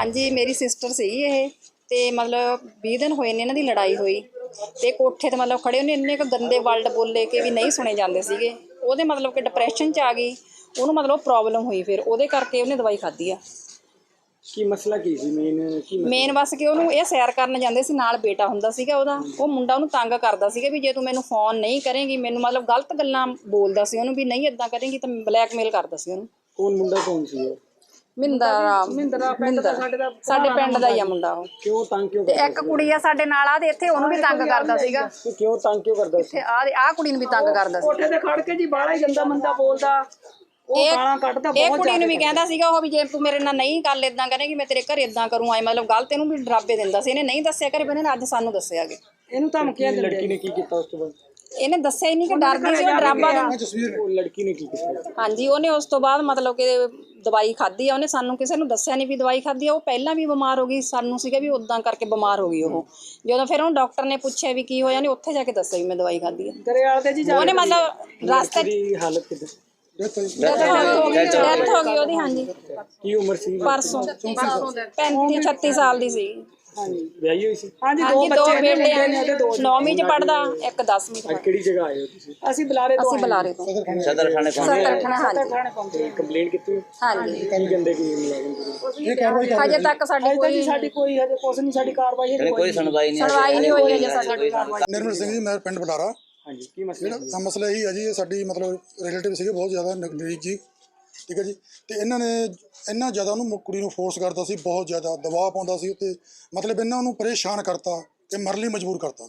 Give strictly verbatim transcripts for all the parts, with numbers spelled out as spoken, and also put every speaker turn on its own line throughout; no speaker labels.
ਹਾਂਜੀ ਮੇਰੀ ਸਿਸਟਰ ਸੀਗੀ ਇਹ ਤੇ ਮਤਲਬ ਵੀਹ ਦਿਨ ਹੋਏ ਨੇ ਇਹਨਾਂ ਦੀ ਲੜਾਈ ਹੋਈ ਤੇ ਕੋਠੇ ਤੇ ਮਤਲਬ ਖੜੇ ਉਹਨੇ ਇੰਨੇ ਕੁ ਗੰਦੇ ਵਰਡ ਬੋਲੇ ਕਿ ਵੀ ਨਹੀਂ ਸੁਣੇ ਜਾਂਦੇ ਸੀਗੇ। ਉਹਦੇ ਮਤਲਬ ਕਿ ਡਿਪਰੈਸ਼ਨ 'ਚ ਆ ਗਈ, ਉਹਨੂੰ ਮਤਲਬ ਪ੍ਰੋਬਲਮ ਹੋਈ, ਫਿਰ ਉਹਦੇ ਕਰਕੇ ਉਹਨੇ ਦਵਾਈ ਖਾਧੀ ਆ।
ਕੀ ਮਸਲਾ ਕੀ ਸੀ ਮੇਨ? ਕੀ
ਮੇਨ ਬਸ ਕਿ ਉਹਨੂੰ ਇਹ ਸੈਰ ਕਰਨ ਜਾਂਦੇ ਸੀ, ਨਾਲ ਬੇਟਾ ਹੁੰਦਾ ਸੀਗਾ ਉਹਦਾ। ਉਹ ਮੁੰਡਾ ਉਹਨੂੰ ਤੰਗ ਕਰਦਾ ਸੀਗਾ ਵੀ ਜੇ ਤੂੰ ਮੈਨੂੰ ਫੋਨ ਨਹੀਂ ਕਰੇਂਗੀ, ਮੈਨੂੰ ਮਤਲਬ ਗਲਤ ਗੱਲਾਂ ਬੋਲਦਾ ਸੀ ਉਹਨੂੰ ਵੀ ਨਹੀਂ ਇੱਦਾਂ ਕਰੇਂਗੀ ਤਾਂ ਬਲੈਕਮੇਲ ਕਰਦਾ ਸੀ ਉਹਨੂੰ।
ਕੌਣ ਮੁੰਡਾ ਕੌਣ ਸੀ ਉਹ?
ਮਿੰਦਰਾ ਮਿੰਦਰਾ ਪਿੰਡ ਦਾ ਸਾਡੇ ਦਾ ਸਾਡੇ ਪਿੰਡ ਦਾ ਹੀ ਆ ਮੁੰਡਾ ਉਹ।
ਕਿਉਂ ਤੰਗ ਕਿਉਂ
ਤੇ
ਕਰਦਾ?
ਇੱਕ ਕੁੜੀ ਆ ਸਾਡੇ ਨਾਲ ਆ ਤੇ ਇੱਥੇ ਉਹਨੂੰ ਵੀ ਤੰਗ ਕਰਦਾ ਸੀਗਾ।
ਕਿਉਂ ਤੰਗ ਕਿਉਂ ਕਰਦਾ ਸੀ?
ਇੱਥੇ ਆ ਆ ਕੁੜੀ ਨੂੰ ਵੀ ਤੰਗ ਕਰਦਾ ਸੀ।
ਕੋਠੇ ਤੇ ਖੜ ਕੇ ਜੀ ਬਾਹਲਾ ਹੀ ਗੰਦਾ ਮੰਦਾ ਬੋਲਦਾ, ਉਹ ਗਾਲਾਂ ਕੱਢਦਾ
ਇਹ
ਬਹੁਤ।
ਕੁੜੀ ਨੂੰ ਵੀ ਕਹਿੰਦਾ ਸੀਗਾ ਉਹ ਵੀ ਜੇ ਤੂੰ ਮੇਰੇ ਨਾਲ ਨਹੀਂ ਗੱਲ ਇਦਾਂ ਕਰੇਂਗੀ ਮੈਂ ਤੇਰੇ ਘਰ ਇਦਾਂ ਕਰੂੰ ਆਏ, ਮਤਲਬ ਗਲਤ ਇਹਨੂੰ ਵੀ ਡਰਾਬੇ ਦਿੰਦਾ ਸੀ। ਇਹਨੇ ਨਹੀਂ ਦੱਸਿਆ ਘਰੇ, ਇਹਨੇ ਅੱਜ ਸਾਨੂੰ ਦੱਸਿਆਗੇ।
ਇਹਨੂੰ ਧਮਕੀਆਂ ਦਿੰਦੇ।
ਲੜਕੀ ਨੇ ਕੀ ਕੀਤਾ ਉਸ ਤੋਂ ਬਾਅਦ?
ਇਹਨੇ ਦੱਸਿਆ ਹੀ ਨਹੀਂ ਕਿ ਡਰਦੀ ਸੀ ਉਹ ਡਰਾਬਾ ਦਾ।
ਉਹ ਲੜਕੀ ਨੇ ਕੀ ਕੀਤਾ?
ਹਾਂਜੀ ਉਹਨੇ ਉਸ ਤੋਂ ਬਾਅਦ ਮਤਲਬ ਕਿ ਦਵਾਈ ਖਾਧੀ ਆ ਉਹਨੇ, ਸਾਨੂੰ ਕਿਸੇ ਨੂੰ ਦੱਸਿਆ ਨਹੀਂ ਵੀ ਦਵਾਈ ਖਾਧੀ ਆ। ਉਹ ਪਹਿਲਾਂ ਵੀ ਬਿਮਾਰ ਹੋ ਗਈ, ਸਾਨੂੰ ਸੀਗਾ ਵੀ ਉਦਾਂ ਕਰਕੇ ਬਿਮਾਰ ਹੋ ਗਈ ਉਹ। ਜਦੋਂ ਫਿਰ ਉਹਨੂੰ ਡਾਕਟਰ ਨੇ ਪੁੱਛਿਆ ਵੀ ਕੀ ਹੋਇਆ, ਉਹਨੇ ਉੱਥੇ ਜਾ ਕੇ ਦੱਸਿਆ ਵੀ ਮੈਂ ਦਵਾਈ ਖਾਧੀ ਆ।
ਦਰਿਆਲ ਤੇ ਜੀ
ਉਹਨੇ ਮਤਲਬ ਰਸਤੇ
ਦੀ ਹਾਲਤ ਕਿਦਾਂ?
ਡੈਥ ਹੋ ਗਈ ਉਹਦੀ। ਹਾਂਜੀ
ਕੀ ਉਮਰ ਸੀ?
ਪਰਸੋਂ ਪੈਂਤੀ ਛੱਤੀ ਸਾਲ ਦੀ ਸੀ।
ਵਿਆਹੀ ਹੋਈ ਸੀ?
ਹਾਂਜੀ ਦੋ
ਹਾਂਜੀ ਦੋ
ਬੱਚੇ ਨੇ,
ਬੇਟੇ
ਮੁੰਡੇ ਨੇ ਤੇ ਦੋ।
ਨੌਵੀਂ ਚ ਪੜਦਾ, ਇੱਕ ਦਸਵੀਂ ਚ
ਅੱਜ
ਪੜਦਾ।
ਕਿਹੜੀ ਜਗ੍ਹਾ ਆਏ ਹੋ ਤੁਸੀਂ?
ਅਸੀਂ ਬੁਲਾਰੇ ਤੋਂ
ਅਸੀਂ ਬੁਲਾਰੇ ਤੋਂ
ਸਦਰ ਥਾਣੇ
ਸਦਰ ਥਾਣਾ। ਹਾਂਜੀ
ਥਾਣੇ ਪਹੁੰਚੇ।
ਕੰਪਲੇਂਟ ਕੀਤੀ?
ਹਾਂਜੀ
ਕੀ ਕਹਿੰਦੇ ਕੀ ਮੁਲਾਜ਼ਮ?
ਹਜੇ ਤੱਕ ਸਾਡੀ
ਅਜੇ ਤਾਂ ਜੀ
ਕੋਈ
ਸਾਡੀ ਕੋਈ ਹਜੇ ਕੁਛ ਨਹੀਂ, ਸਾਡੀ ਕਾਰਵਾਈ ਹਜੇ
ਕੋਈ ਸੁਣਵਾਈ ਨਹੀਂ
ਸੁਣਵਾਈ ਨਹੀਂ ਹੋਈ ਹਜੇ ਸਾਡੀ।
ਨਿਰਮਲ ਸਿੰਘ ਜੀ, ਮੈਂ ਪਿੰਡ ਬੁਲਾਰਾ।
ਹਾਂਜੀ ਕੀ ਮਸਲਾ ਸੀ?
ਜਿਹੜਾ ਮਸਲਾ ਇਹੀ ਹੈ ਜੀ, ਇਹ ਸਾਡੀ ਮਤਲਬ ਰਿਲੇਟਿਵ ਸੀਗੇ ਬਹੁਤ ਜ਼ਿਆਦਾ ਨਜ਼ਦੀਕ ਜੀ, ਠੀਕ ਹੈ ਜੀ। ਤੇ ਇਹਨਾਂ ਨੇ ਇੰਨਾ ਜ਼ਿਆਦਾ ਉਹਨੂੰ ਕੁੜੀ ਨੂੰ ਫੋਰਸ ਕਰਦਾ ਸੀ, ਬਹੁਤ ਜ਼ਿਆਦਾ ਦਬਾਅ ਪਾਉਂਦਾ ਸੀ ਉੱਤੇ, ਮਤਲਬ ਇਹਨਾਂ ਨੂੰ ਪਰੇਸ਼ਾਨ ਕਰਤਾ ਕਿ ਮਰਨ ਲਈ ਮਜਬੂਰ ਕਰਤਾ।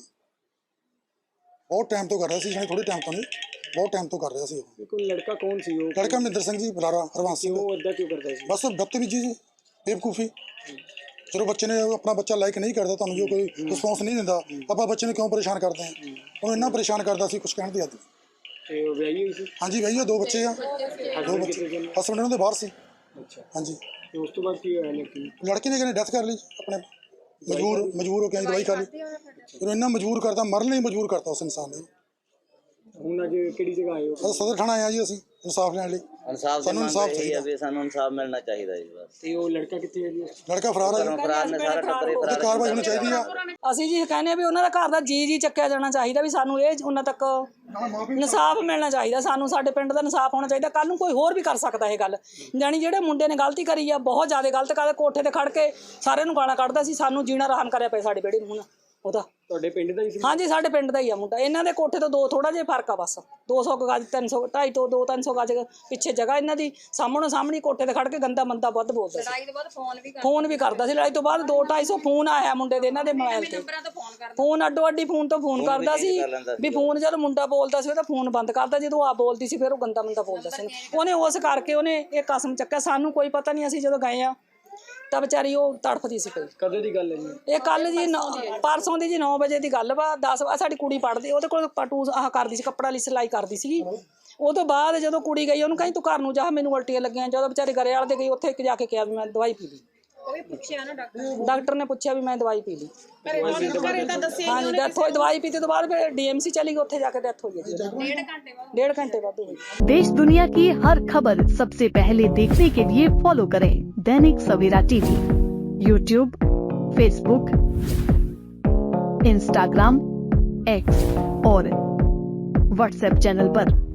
ਬਹੁਤ ਟਾਈਮ ਤੋਂ ਕਰ ਰਿਹਾ ਸੀ, ਜਾਣੀ ਥੋੜ੍ਹੇ ਟਾਈਮ ਤੋਂ ਨਹੀਂ, ਬਹੁਤ ਟਾਈਮ ਤੋਂ ਕਰ ਰਿਹਾ ਸੀ ਉਹ।
ਕੋਈ ਲੜਕਾ ਕੌਣ ਸੀ ਉਹ?
ਲੜਕਾ ਮਹਿੰਦਰ ਸਿੰਘ ਜੀ ਬੁਲਾਰਾ, ਹਰਵੰਸ ਸਿੰਘ।
ਉਹ ਏਦਾਂ ਕਿਉਂ ਕਰਦਾ ਸੀ?
ਬਸ ਬਦਤਮੀਜੀ ਜੀ, ਬੇਵਕੂਫੀ। ਚਲੋ ਬੱਚੇ ਨੇ ਆਪਣਾ ਬੱਚਾ ਲਾਈਕ ਨਹੀਂ ਕਰਦਾ, ਤੁਹਾਨੂੰ ਜੋ ਕੋਈ ਰਿਸਪੌਂਸ ਨਹੀਂ ਦਿੰਦਾ, ਆਪਾਂ ਬੱਚੇ ਨੂੰ ਕਿਉਂ ਪਰੇਸ਼ਾਨ ਕਰਦੇ ਹਾਂ? ਉਹਨੂੰ ਇੰਨਾ ਪਰੇਸ਼ਾਨ ਕਰਦਾ ਸੀ, ਕੁਛ ਕਹਿਣ ਦੀ ਹੱਦ ਨਹੀਂ।
ਤੇ ਉਹ ਵਿਆਹੀ ਹੋਈ ਸੀ?
ਹਾਂਜੀ ਭਈਆ, ਦੋ ਬੱਚੇ ਆ, ਦੋ ਬੱਚੇ। ਹਸਬੈਂਡ ਉਹਨਾਂ ਦੇ ਬਾਹਰ ਸੀ।
ਅੱਛਾ।
ਹਾਂਜੀ।
ਤੇ ਉਸ ਤੋਂ ਬਾਅਦ ਕੀ ਹੋਇਆ ਲੜਕੀ ਨੂੰ?
ਲੜਕੀ ਨੇ ਕਹਿੰਦੇ ਡੈਥ ਕਰ ਲਈ ਆਪਣੇ, ਮਜਬੂਰ ਮਜਬੂਰ ਹੋ ਕੇ ਦਵਾਈ ਖਾ ਲਈ। ਉਹਨੂੰ ਇੰਨਾ ਮਜਬੂਰ ਕਰਤਾ, ਮਰਨ ਲਈ ਮਜਬੂਰ ਕਰਤਾ ਉਸ ਇਨਸਾਨ ਨੇ।
ਹੁਣ ਅੱਜ ਕਿਹੜੀ ਜਗ੍ਹਾ ਆਏ ਹੋ?
ਸਦਰ ਥਾਣਾ ਆਇਆ ਜੀ ਅਸੀਂ ਇਨਸਾਫ ਲੈਣ ਲਈ।
ਇਨਸਾਫ
ਸਾਨੂੰ ਇਨਸਾਫ ਚਾਹੀਦਾ
ਵੀ ਸਾਨੂੰ ਇਨਸਾਫ ਮਿਲਣਾ ਚਾਹੀਦਾ ਜੀ ਬਸ।
ਤੇ ਉਹ ਲੜਕਾ ਕਿੱਥੇ ਹੈ ਜੀ?
ਲੜਕਾ ਫਰਾਰ ਹੈ,
ਫਰਾਰ ਨੇ ਸਾਰਾ ਟੱਬਰ ਹੀ
ਉਹਦੀ
ਫਰਾਰ।
ਕਾਰਵਾਈ ਹੋਣੀ ਚਾਹੀਦੀ ਆ।
ਅਸੀਂ ਜੀ ਕਹਿੰਦੇ ਆ ਵੀ ਉਹਨਾਂ ਦਾ ਘਰ ਦਾ ਜੀ ਜੀ ਚੱਕਿਆ ਜਾਣਾ ਚਾਹੀਦਾ, ਵੀ ਸਾਨੂੰ ਇਹ ਉਹਨਾਂ ਤੱਕ ਇਨਸਾਫ ਮਿਲਣਾ ਚਾਹੀਦਾ। ਸਾਨੂੰ ਸਾਡੇ ਪਿੰਡ ਦਾ ਇਨਸਾਫ ਹੋਣਾ ਚਾਹੀਦਾ। ਕੱਲ ਨੂੰ ਕੋਈ ਹੋਰ ਵੀ ਕਰ ਸਕਦਾ ਇਹ ਗੱਲ, ਜਾਣੀ ਜਿਹੜੇ ਮੁੰਡੇ ਨੇ ਗਲਤੀ ਕਰੀ ਆ, ਬਹੁਤ ਜ਼ਿਆਦਾ ਗਲਤ ਕਰਦੇ। ਕੋਠੇ ਤੇ ਖੜ ਕੇ ਸਾਰਿਆਂ ਨੂੰ ਗਾਲਾਂ ਕੱਢਦਾ ਸੀ, ਸਾਨੂੰ ਜੀਣਾ ਆਰਾਮ ਕਰਿਆ ਪਿਆ ਸਾਡੇ ਬੇੜੇ ਨੂੰ ਹੁਣ ਉਹਦਾ।
ਤੁਹਾਡੇ ਪਿੰਡ ਦਾ ਹੀ ਸੀ?
ਹਾਂਜੀ ਸਾਡੇ ਪਿੰਡ ਦਾ ਹੀ ਆ ਮੁੰਡਾ। ਇਹਨਾਂ ਦੇ ਕੋਠੇ ਤੋਂ ਦੋ ਥੋੜਾ ਜਿਹਾ ਫਰਕ ਆ, ਬਸ ਦੋ ਸੌ ਗਜ, ਤਿੰਨ ਸੌ ਢਾਈ ਤੋਂ ਦੋ ਤਿੰਨ ਸੌ ਗਜ ਪਿੱਛੇ ਜਗ੍ਹਾ ਇਹਨਾਂ ਦੀ। ਸਾਹਮਣੇ ਸਾਹਮਣੇ ਕੋਠੇ ਤੇ ਖੜ ਕੇ ਗੰਦਾ ਮੰਦਾ ਵੱਧ ਬੋਲਦਾ ਸੀ।
ਲੜਾਈ ਤੋਂ ਬਾਅਦ ਫੋਨ ਵੀ
ਫੋਨ ਵੀ ਕਰਦਾ ਸੀ। ਲੜਾਈ ਤੋਂ ਬਾਅਦ ਦੋ ਢਾਈ ਸੌ ਫੋਨ ਆਇਆ ਮੁੰਡੇ ਦੇ ਇਹਨਾਂ ਦੇ ਮੋਬਾਈਲ ਤੇ। ਫੋਨ ਅੱਡੋ ਅੱਡੀ ਫੋਨ ਤੋਂ ਫੋਨ ਕਰਦਾ ਸੀ ਵੀ ਫੋਨ ਜਦੋਂ ਮੁੰਡਾ ਬੋਲਦਾ ਸੀ ਉਹਦਾ ਫੋਨ ਬੰਦ ਕਰਦਾ, ਜਦੋਂ ਆ ਬੋਲਦੀ ਸੀ ਫਿਰ ਉਹ ਗੰਦਾ ਮੰਦਾ ਬੋਲਦਾ ਸੀ। ਉਹਨੇ ਉਸ ਕਰਕੇ ਉਹਨੇ ਇਹ ਕਸਮ ਚੱਕਿਆ। ਸਾਨੂੰ ਕੋਈ ਪਤਾ ਨਹੀਂ, ਅਸੀਂ ਜਦੋਂ ਗਏ ਆ ਤਾਂ ਵਿਚਾਰੀ ਉਹ ਤੜਫਦੀ ਸੀ ਪਈ।
ਕਦੋਂ ਦੀ ਗੱਲ ਹੈ ਜੀ
ਇਹ? ਕੱਲ ਜੀ ਪਰਸੋਂ ਦੀ ਜੀ ਨੌ ਵਜੇ ਦੀ ਗੱਲ ਵਾ। ਦਸ ਸਾਡੀ ਕੁੜੀ ਪੜ੍ਹਦੀ, ਉਹਦੇ ਕੋਲ ਪਟੂ ਆਹ ਕਰਦੀ ਸੀ, ਕੱਪੜਾ ਲਈ ਸਿਲਾਈ ਕਰਦੀ ਸੀਗੀ। ਉਹ ਤੋਂ ਬਾਅਦ ਜਦੋਂ ਕੁੜੀ ਗਈ ਉਹਨੂੰ ਕਹੀਂ ਤੂੰ ਘਰ ਨੂੰ ਜਾ, ਮੈਨੂੰ ਉਲਟੀਆਂ ਲੱਗੀਆਂ। ਜਦੋਂ ਵਿਚਾਰੇ ਘਰੇ ਵਾਲੇ ਦੇ ਗਈ, ਉੱਥੇ ਜਾ ਕੇ ਕਿਹਾ ਵੀ ਮੈਂ ਦਵਾਈ ਪੀ ਲਈ।
ਉਹ ਵੀ ਪੁੱਛਿਆ ਨਾ ਡਾਕਟਰ
ਡਾਕਟਰ ਨੇ ਪੁੱਛਿਆ ਵੀ ਮੈਂ ਦਵਾਈ ਪੀ ਲਈ। ਹਾਂਜੀ ਡੈਥ ਹੋਈ। ਦਵਾਈ ਪੀਤੇ ਤੋਂ ਬਾਅਦ ਫਿਰ ਡੀਐਮਸੀ ਚਲੀ ਗਈ, ਉੱਥੇ ਜਾ ਕੇ ਡੈਥ ਹੋਈ।
ਡੇਢ ਘੰਟੇ ਬਾਅਦ
डेढ़ घंटे बाद हुई।
देश दुनिया की हर खबर सबसे पहले देखने के लिए फॉलो करें Dainik Savera TV, YouTube, Facebook, Instagram, X और व्हाट्सएप चैनल पर।